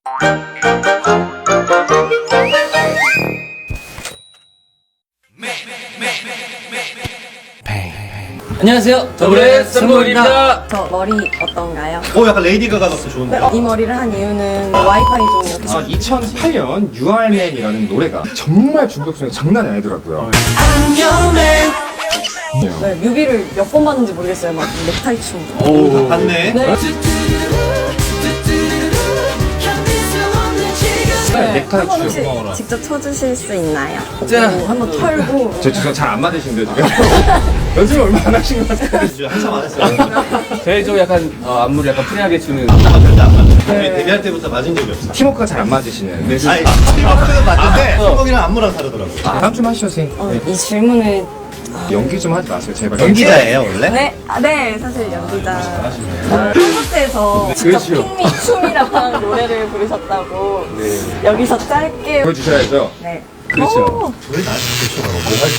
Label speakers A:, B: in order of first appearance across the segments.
A: 안녕하세요. 더블의 쌈공입니다.
B: 저 머리 어떤가요?
C: 약간 레이디 가가 같아 좋은데.
B: 이 머리를 한 이유는 와이파이 좀 이렇게
D: 2008년 You Are Man이라는 노래가 정말 중독성이 장난이 아니더라고요.
B: 네, 뮤비를 몇 번 봤는지 모르겠어요. 막 넥타이 춤.
C: 오, 봤네.
B: 네.
D: 넥타이
B: 한번
D: 춤.
B: 혹시 직접 쳐주실 수 있나요?
A: 자.
B: 한번 털고.
D: 저 지금 잘 안 맞으신데 지금. 연습을 얼마 안 하신 것 같아요.
C: 한참 안 했어요.
A: 저희 좀 약간 안무를 약간 프리하게 추는.
C: 절대 안 맞아. 우리 데뷔할 때부터 맞은 적이 없어.
D: 팀워크가 잘 안 맞으시네요. 네.
C: 아니, 팀워크는 맞는데 팀워크랑 안무랑 다르더라고.
D: 다음 좀 하시죠, 선생님.
B: 이 질문을.
D: 연기 좀 하지 마세요, 제발.
C: 연기자예요 원래?
B: 네, 네, 사실 연기자. 콘서트에서 직접
D: 그렇죠.
B: 핑미 춤이라는 노래를 부르셨다고. 여기서 짧게.
D: 보여주셔야죠.
B: 네.
A: 그렇죠.
B: 오.
C: 왜 나한테 쫓아가고 뭐 할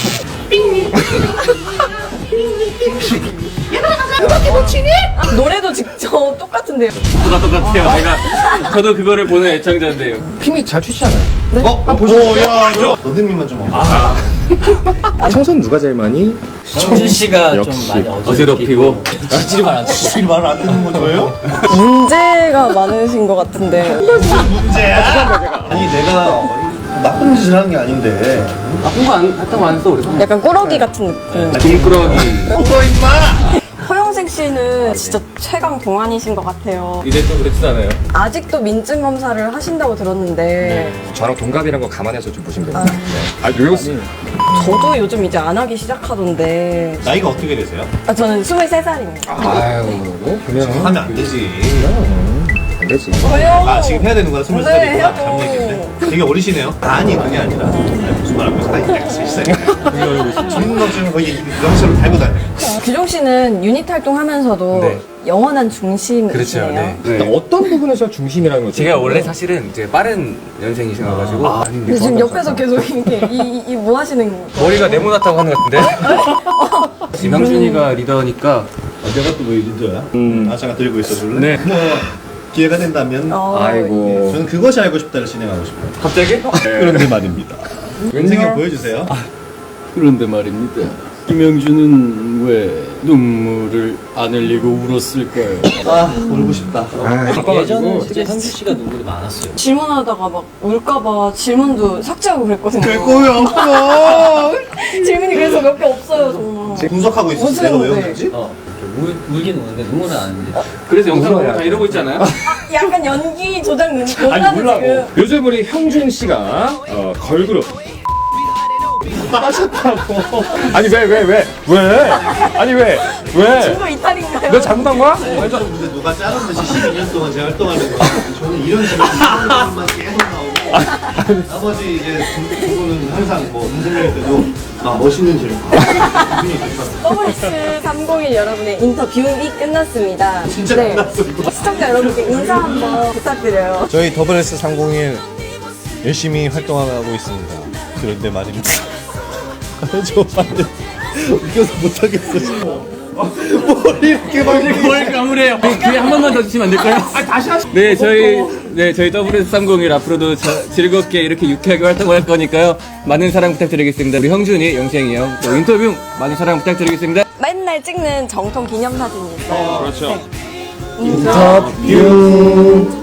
C: 때?
B: 노래도 직접 똑같은데요.
A: 똑같아요. 저도 그거를 보는 애청자인데요.
D: 힘이 잘 추시잖아요.
C: 야, 선생님만 좀 와봐.
D: 청소는 누가 제일 많이?
E: 성준 씨가 좀
D: 역시.
E: 많이
A: 어지럽히고.
E: 지지리만 안 치고
C: 이 말을 안 듣는 거 저예요?
B: 문제가 많으신 것 같은데.
C: 문제야? 아니 내가 나쁜 짓을 하는 게 아닌데.
A: 나쁜 거 했다고 안 했어, 우리.
B: 약간 꾸러기 같은 느낌.
A: 김꾸러기.
C: 너 임마!
B: 허영생 씨는 진짜 최강 동안이신 것 같아요.
A: 이제 또 그렇지않아요.
B: 아직도 민증 검사를 하신다고 들었는데
D: 저랑 동갑이란 거 감안해서 좀 보시면 됩니다. 요요스.
B: 저도 요즘 이제 안 하기 시작하던데.
C: 나이가 어떻게 되세요?
B: 저는 23살입니다.
D: 아유, 그냥
C: 하면 안 되지.
D: 안 되지.
B: 왜요?
C: 아 지금 해야 되는 거야? 23살이구나.
B: 네, 해야죠.
C: 잘못 얘기했네. 되게 어리시네요. 아니 그게 아니라 무슨 말 하고 있어? 아니 27살. 중국어는 거의 명시로 달고 다녀.
B: 규종 씨는 유닛 활동하면서도
A: 네.
B: 영원한 중심이시네요.
A: 그렇죠. 네.
D: 일단 어떤 부분에서 중심이라는 거죠?
A: 제가 원래 사실은 이제 빠른 연생이셔가지고
B: 근데 지금 옆에서 계속 이렇게 이 뭐 하시는 거?
A: 머리가 네모났다고 하는 것 같은데. 김영준이가 리더니까
C: 내가 또 왜 리더야? 아 잠깐 들고 있어 줄래?
A: 네.
C: 뭐 기회가 된다면
D: 아이고.
C: 저는 그것이 알고 싶다를 진행하고 싶어요.
A: 갑자기?
C: 그런데 말입니다. 선생님 보여주세요.
E: 그런데 말입니다. 김영준은 왜 눈물을 안 흘리고 울었을까요?
C: 아 모르고 싶다.
E: 예전에 진짜 성준 씨가 눈물이 많았어요.
B: 질문하다가 막 울까봐 질문도 삭제하고 그랬거든요.
C: 거의 없어.
B: 질문이 그래서 몇 개 없어요 정말.
C: 분석하고 있었어.
B: 무슨
C: 내가 왜
B: 네.
C: 웃는지?
E: 울긴 우는데 눈물은 안 흘리지.
A: 그래서 영상으로 다 이러고 있잖아요.
B: 약간 연기 조작 논란은 지금.
D: 요즘 우리 형준 씨가 걸그룹 빠졌다고. 아니 왜? 아니 왜?
B: 친구 이탈인가요?
D: 너 잘못한 거야?
C: 근데 누가 짜는 듯이 12년 동안 제가 활동하는 거 저는 이런 식으로 질문만 계속 나오고 나머지 이제 두 분은 항상 뭐 음성일 때도 멋있는 질문
B: WS301 여러분의 인터뷰이 끝났습니다.
C: 진짜
B: 네.
C: 끝났어, 이거.
B: 시청자 여러분께 인사 한번 부탁드려요.
C: 저희 WS301 열심히 활동하고 있습니다. 그런데 말입니다. 저 반대 웃겨서 못하겠어 지금. 머리 이렇게 막
A: 뭘 까무래요? 기회 한 번만 더 주시면 안 될까요? 다시 하시. 네, 저희 WS301 앞으로도 즐겁게 이렇게 유쾌하게 활동할 거니까요. 많은 사랑 부탁드리겠습니다. 우리 형준이, 영생이 형, 또 인터뷰 많은 사랑 부탁드리겠습니다.
B: 맨날 찍는 정통 기념사진이 있어요.
D: 그렇죠.
B: 네. 인터뷰.